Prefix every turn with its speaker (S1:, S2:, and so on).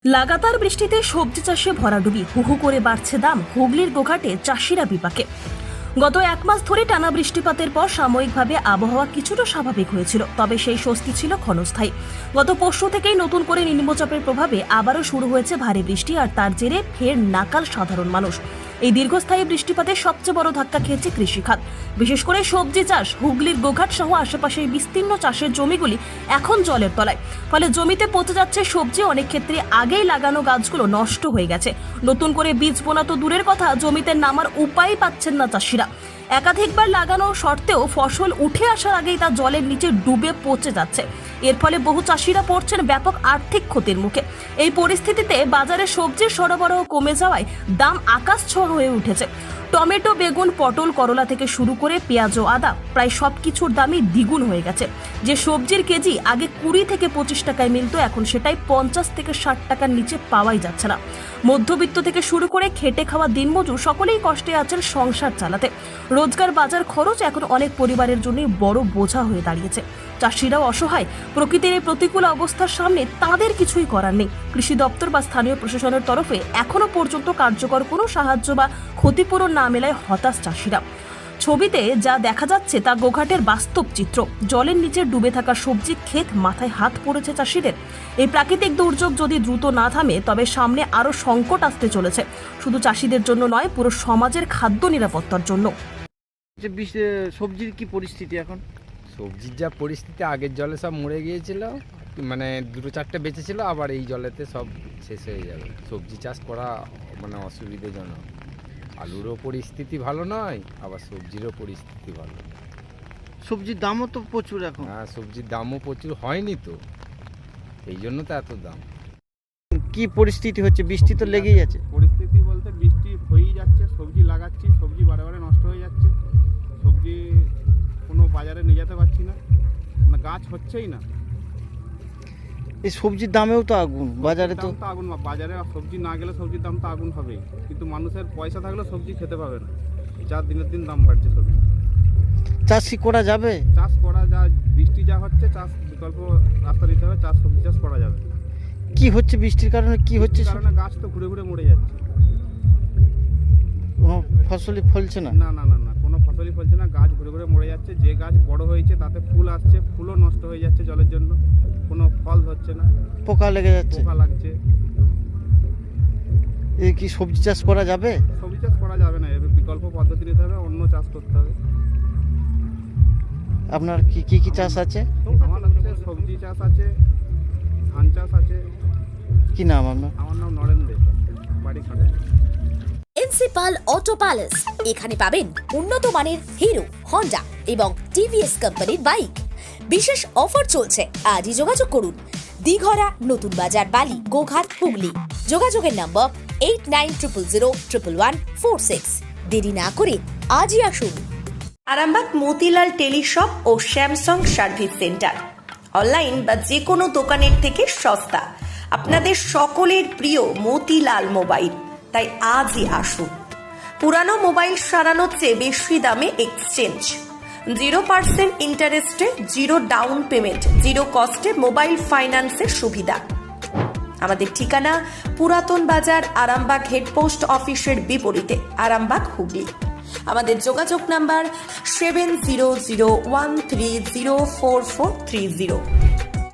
S1: লাগাতার বৃষ্টিতে সবজি চাষে ভরাডুবি, হুহু করে বাড়ছে দাম। হুগলির গোঘাটে চাষিরা বিপাকে। গত এক মাস ধরে টানা বৃষ্টিপাতের পর সাময়িকভাবে আবহাওয়া কিছুটা স্বাভাবিক হয়েছিল, তবে সেই স্বস্তি ছিল ক্ষণস্থায়ী। গত পরশু থেকেই নতুন করে নিম্নচাপের প্রভাবে আবারও শুরু হয়েছে ভারী বৃষ্টি, আর তার জেরে ফের নাকাল সাধারণ মানুষ। এই দীর্ঘস্থায়ী বৃষ্টিপাতে সবচেয়ে বড় ধাক্কা খেয়েছে কৃষিখাত, বিশেষ করে সবজি চাষ। হুগলির গোঘাট সহ আশেপাশের বিস্তীর্ণ চাষের জমিগুলি এখন জলের তলায়, ফলে জমিতে পচে যাচ্ছে সবজি। অনেক ক্ষেত্রে আগেই লাগানো গাছগুলো নষ্ট হয়ে গেছে। নতুন করে বীজ বোনা তো দূরের কথা, জমিতে নামার উপায় পাচ্ছেন না চাষিরা। একাধিকবার লাগানো সত্ত্বেও ফসল উঠে আসার আগেই তা জলের নিচে ডুবে পচে যাচ্ছে। এর ফলে বহু চাষিরা পড়ছেন ব্যাপক আর্থিক ক্ষতির মুখে। এই পরিস্থিতিতে বাজারে সবজির সরবরাহ কমে যাওয়ায় দাম আকাশ ছোঁয়া হয়ে উঠেছে। টমেটো, বেগুন, পটল, করলা থেকে শুরু করে পেঁয়াজ ও আদা, প্রায় সবকিছুর দামই দ্বিগুণ হয়ে গেছে। যে সবজির কেজি আগে 20 থেকে 25 টাকায় মিলত, এখন সেটাই 50 থেকে 60 টাকার নিচে পাওয়াই যাচ্ছে না। মধ্যবিত্ত থেকে শুরু করে খেটে খাওয়া দিনমজুর সকলেই কষ্টে আছেন সংসার চালাতে। রোজগার, বাজার খরচ এখন অনেক পরিবারের জন্যই বড় বোঝা হয়ে দাঁড়িয়েছে। চাষিরাও অসহায়। প্রকৃতির এই প্রতিকূল অবস্থার সামনে তাদের কিছুই করার নেই। কৃষি দপ্তর বা স্থানীয় প্রশাসনের তরফে এখনো পর্যন্ত কার্যকর কোনো সাহায্য বা ক্ষতিপূরণ না মেলায় হতাশ চাষিরা। ছবিতে যা দেখা যাচ্ছে তা গোঘাটের বাস্তব চিত্র। জলের নিচে ডুবে থাকা সবজি ক্ষেত, মাথায় হাত পড়েছে চাষিদের। এই প্রাকৃতিক দুর্যোগ যদি দ্রুত না থামে, তবে সামনে আরো সংকট আসতে চলেছে, শুধু চাষিদের জন্য নয়, পুরো সমাজের খাদ্য নিরাপত্তার জন্য।
S2: সবজির কি পরিস্থিতি এখন?
S3: সবজির যা পরিস্থিতি, আগের জলে সব মরে গিয়েছিল, মানে দুটো চারটে বেঁচেছিল, আবার এই জলেতে সব শেষ হয়ে যাবে। সবজি চাষ করা মানে অসুবিধাজনক। আলুরও পরিস্থিতি ভালো নয়, আবার সবজিরও পরিস্থিতি ভালো।
S2: সবজির দামও তো প্রচুর এখন।
S3: হ্যাঁ, সবজির দামও প্রচুর, হয়নি তো, এই জন্য তো এত দাম।
S2: কি পরিস্থিতি হচ্ছে? বৃষ্টি তো লেগেই আছে।
S4: পরিস্থিতি বলতে বৃষ্টি হয়েই যাচ্ছে, সবজি লাগাচ্ছি, সবজি বারে বারে নষ্ট হয়ে যাচ্ছে। সবজি কোনো বাজারে নিয়ে যেতে পারছি না, মানে গাছ হচ্ছেই না।
S2: এই সবজির দামেও তো আগুন, বাজারে তো
S4: আগুন। বাজারে সবজি না গেলে সবজির দাম তো আগুন হবেই, কিন্তু মানুষের পয়সা থাকলেও সবজি খেতে পাবে না। যা দিনের দিন দাম বাড়ছে সবজি।
S2: চাষ কি করা যাবে?
S4: চাষ করা যা, বৃষ্টি যা হচ্ছে, চাষ বিকল্প রাস্তা দিতে হবে, সবজি চাষ করা যাবে।
S2: কি হচ্ছে বৃষ্টির কারণে? কি হচ্ছে?
S4: কারণে গাছ তো ঘুরে ঘুরে মরে যাচ্ছে,
S2: কোনো ফসলই ফলছে না।
S4: না না না না কোনো ফসলই ফলছে না, গাছ ঘুরে ঘুরে মরে যাচ্ছে। যে গাছ বড় হয়েছে তাতে ফুল আসছে, ফুলও নষ্ট হয়ে যাচ্ছে জলের জন্য, কোনো ফল হচ্ছে না,
S2: পোকা লেগে যাচ্ছে।
S4: পোকা লাগছে।
S2: এই কি সবজি চাষ করা যাবে?
S4: সবজি চাষ করা যাবে না, এবার বিকল্প পদ্ধতি নিতে হবে, অন্য চাষ করতে হবে।
S2: আপনার কি কি কি চাষ আছে?
S4: আমার হচ্ছে সবজি চাষ আছে, ধান চাষ আছে।
S2: কি নাম আপনার?
S4: আমার নাম নরেন দে, বাড়ি খাটে।
S5: প্রিন্সিপাল অটো প্যালেস, এখানে পাবেন উন্নত মানের হিরো, হন্ডা এবং টিভিএস কোম্পানির বাইক। বিশেষ অফার চলছে, আজই যোগাযোগ করুন। দিঘরা, নতুন বাজার, বালি, গোঘাট, হুগলি। যোগাযোগের নম্বর 8900011146। দেরি না করে আজই আসুন।
S6: আরামবাগ মতিলাল টেলিশপ ও স্যামসাং সার্ভিস সেন্টার, অনলাইন বা যে কোনো দোকানের থেকে সস্তা। আপনাদের সকলের প্রিয় মতিলাল মোবাইল, তাই আজই আসুন। পুরানো মোবাইল সারানোর চেয়ে বেশি দামে এক্সচেঞ্জ, 0% ইন্টারেস্টে, 0 ডাউন পেমেন্ট, 0 কস্টে মোবাইল ফাইন্যান্সের সুবিধা। আমাদের ঠিকানা পুরাতন বাজার, আরামবাগ হেডপোস্ট অফিসের বিপরীতে, আরামবাগ, হুগলি। আমাদের যোগাযোগ নাম্বার 7001304430।